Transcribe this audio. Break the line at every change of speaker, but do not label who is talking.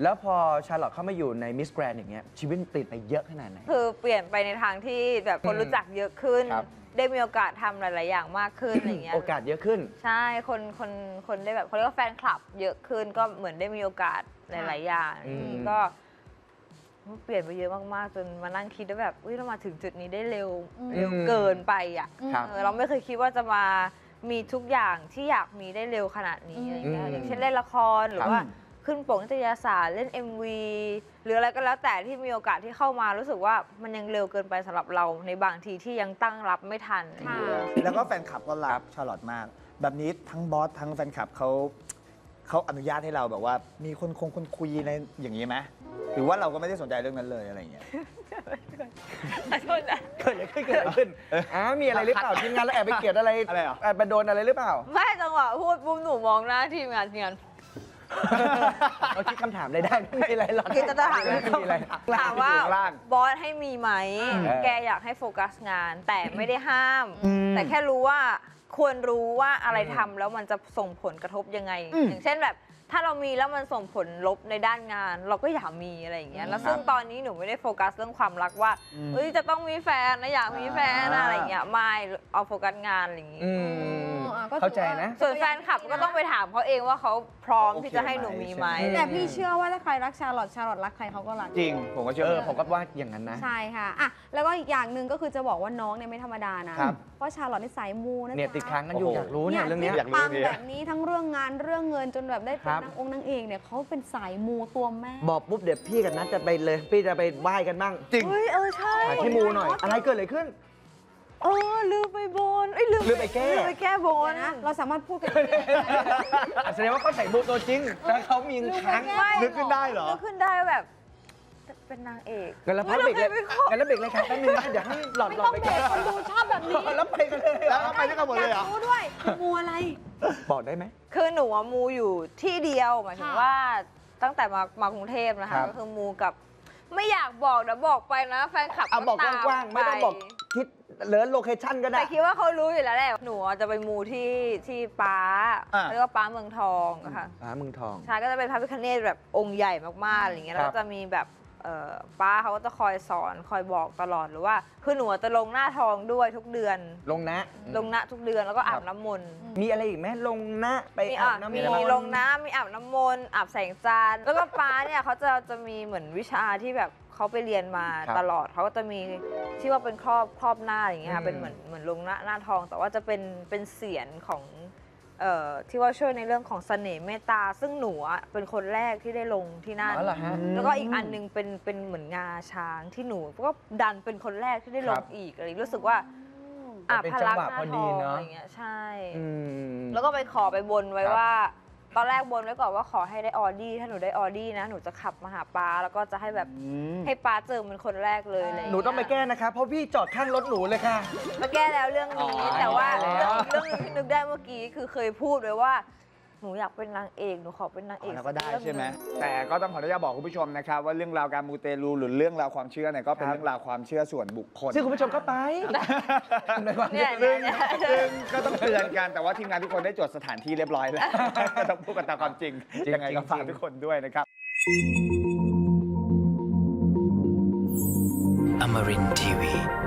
แล้วพอชาร์ลอตเข้ามาอยู่ในมิสแกรนด์อย่างเงี้ยชีวิตเปลี่ยนไปเยอะขนาดไหน
คือเปลี่ยนไปในทางที่แบบคนรู้จักเยอะขึ้น ได้มีโอกาสทำหลาย ๆ อย่างมากขึ้นอะไรเงี้ย
โอกาสเยอะขึ้น
ใช่คนได้แบบเขาเรียกว่าแฟนคลับเยอะขึ้นก็เหมือนได้มีโอกาสหลาย ๆ อย่างก็เปลี่ยนไปเยอะมาก ๆ จนมานั่งคิดว่าแบบเรามาถึงจุดนี้ได้เร็วเกินไปอ่ะเราไม่เคยคิดว่าจะมามีทุกอย่างที่อยากมีได้เร็วขนาดนี้อะไรเงี้ยอย่างเช่นเล่นละครหรือว่าขึ้นปกนิตยสารเล่น MV หรืออะไรก็แล้วแต่ที่มีโอกาสที่เข้ามารู้สึกว่ามันยังเร็วเกินไปสำหรับเราในบางทีที่ยังตั้งรับไม่ทัน
แล้วก็แฟนคลับก็รักชาร์ลอตมากแบบนี้ทั้งบอสทั้งแฟนคลับเขาอนุญาตให้เราแบบว่ามีคนคุยในอย่างนี้ไหมหรือว่าเราก็ไม่ได้สนใจเรื่องนั้นเลยอะไรอย่างเงี้ย
โทษนะ
เกิดอะไรขึ้นมีอะไรหรือเปล่าทีมงานแล้วแอบไปเกลียดอะไรแอบไปโดนอะไรหรือเปล่า
ไม่จังหวะพูดปุ๊บหนูมองหน้าทีมงาน
เราคิดคำถามได้ไม่มีอะไรหรอก
คือจะถามถามว่าบอสให้มีไหมแกอยากให้โฟกัสงานแต่ไม่ได้ห้ามแต่แค่รู้ว่าควรรู้ว่าอะไรทำแล้วมันจะส่งผลกระทบยังไงอย่างเช่นแบบถ้าเรามีแล้วมันส่งผลลบในด้านงานเราก็อยากมีอะไรอย่างเงี้ยแล้วซึ่งตอนนี้หนูไม่ได้โฟกัสเรื่องความรักว่าจะต้องมีแฟนนะอยากมีแฟนอะไรอย่างเงี้ยไม่เอาโฟกัสงานอะไรอย่างงี้
เข้าใจนะ
ส่วนแฟนคลับก็ต้องไปถามเขาเองว่าเขาพร้อมที่จะให้หนูมีไหม
แต่พี่เชื่อว่าถ้าใครรักชาร์ลอตรักใครเขาก็รัก
จริงผมก็เชื่อ
ผมก็ว่าอย่างนั้นนะ
ใช่ค่ะแล้วก็อีกอย่างหนึ่งก็คือจะบอกว่าน้องเนี่ยไม่ธรรมดานะเพราะชาร์ลอตนี่สายมูนะ
เนี่ยติดค้างกันอยู่อยากรู้เนี่ยเรื่องนี้
อยากรู้แบบนี้ทั้งเรื่องงานเรื่องเงินจนแบบได้เป็นนางเอกเนี่ยเขาเป็นสายมูตัวแม่
บอกปุ๊บเดี๋ยวพี่กับนัทจะไปเลยพี่จะไปไหว้กันบ้าง
จริง
ใช่
ที่มูหน่อยอะไรเกิดอะไรขึ้น
ลืมไปบน
ลืมไป
แก้บน
นะเราสามารถพูดกัน
แสดงว่าเขาใส่มูตัวจริงแต่เขามีค้าง
นึกขึ้นได้เหรอ
นึกขึ้นได้แบบเป็นนางเอก
กันแล้วพักเบรกเลยกันแล้วเบรกเลยครับแป๊บนึงนะเดี๋ยวให้หลอดไปกัน
คนดูชอบแบบนี้
แล้วไปกันเลย
แล้วไปด้วยกันหมดเลยเหรอ
รู้ด้วยมูอะไร
บอกได้ไหม
คือหนูมูอยู่ที่เดียวหมายถึงว่าตั้งแต่มากรุงเทพนะคะก็คือมูกับไม่อยากบอกเดี๋ยวบอกไปนะแฟนคลับ
บอกกว้างๆไม่ต้องบอกทิศเลิศโลเคชั่นก็ได้
แต่คิดว่าเขารู้อยู่แล้วแหละหนูจะไปมูที่ป้าเรียกว่าป้าเมืองทองค่ะ
ป้าเมืองทอง
ใช่ก็จะเป็นพระพิฆเนศแบบองค์ใหญ่มากๆอะไรเงี้ยแล้วก็จะมีแบบป้าเขาก็จะคอยสอนคอยบอกตลอดหรือว่าคือหนูจะลงหน้าทองด้วยทุกเดือน
ลงนะ
ทุกเดือนแล้วก็อาบน้ำมนต์
มีอะไรอีกไหมลงนะไปอาบน้ำมนต์
มีลงน้ำมีอาบน้ำมนต์อาบแสงจันทร์แล้วก็ป้าเนี่ยเขาจะมีเหมือนวิชาที่แบบเขาไปเรียนมาตลอดเขาก็จะมีที่ว่าเป็นครอบหน้าอย่างเงี้ยค่ะเป็นเหมือนลงหน้าทองแต่ว่าจะเป็นเสียงของที่ว่าช่วยในเรื่องของเสน่ห์เมตตาซึ่งหนูเป็นคนแรกที่ได้ลงที่นั่นแล้วก็อีกอันนึงเป็นเหมือนงาช้างที่หนูก็ดันเป็นคนแรกที่ได้ลงอีกอะไรรู้สึกว่า
พลังหน้าทอง
อะไรเงี้ยใช่แล้วก็ไปขอไปบนไว้ว่าตอนแรกบนไว้ก่อนว่าขอให้ได้ออดี้ถ้าหนูได้ออดี้นะหนูจะขับมาหาป้าแล้วก็จะให้แบบให้ป้าเจอเป็นคนแรกเลย
หนูต้องไปแก้นะคะเพราะพี่จอดข้างรถหนูเลยค่ะ
มาแก้แล้วเรื่องนี้แต่ว่าเรื่องนึงที่นึกได้เมื่อกี้คือเคยพูดไว้ว่าหนูอยากเป็นนางเอกหนูขอเป็นนางเอก
แล้วก็ได้ใช่ไหมแต่ก็ต้องขออนุญาตบอกคุณผู้ชมนะครับว่าเรื่องราวการมูเตลูหรือเรื่องราวความเชื่อเนี่ยก็เป็นเรื่องราวความเชื่อส่วนบุคคล
ซึ่งคุณผู้ชมก็ไป
ซึ่งก็ต้องเตือนกันแต่ว่าทีมงานทุกคนได้จดสถานที่เรียบร้อยแล้วก็ต้องพูดกันตามความจริงยังไงก็ฝากทุกคนด้วยนะครับ
Amarin Tiwi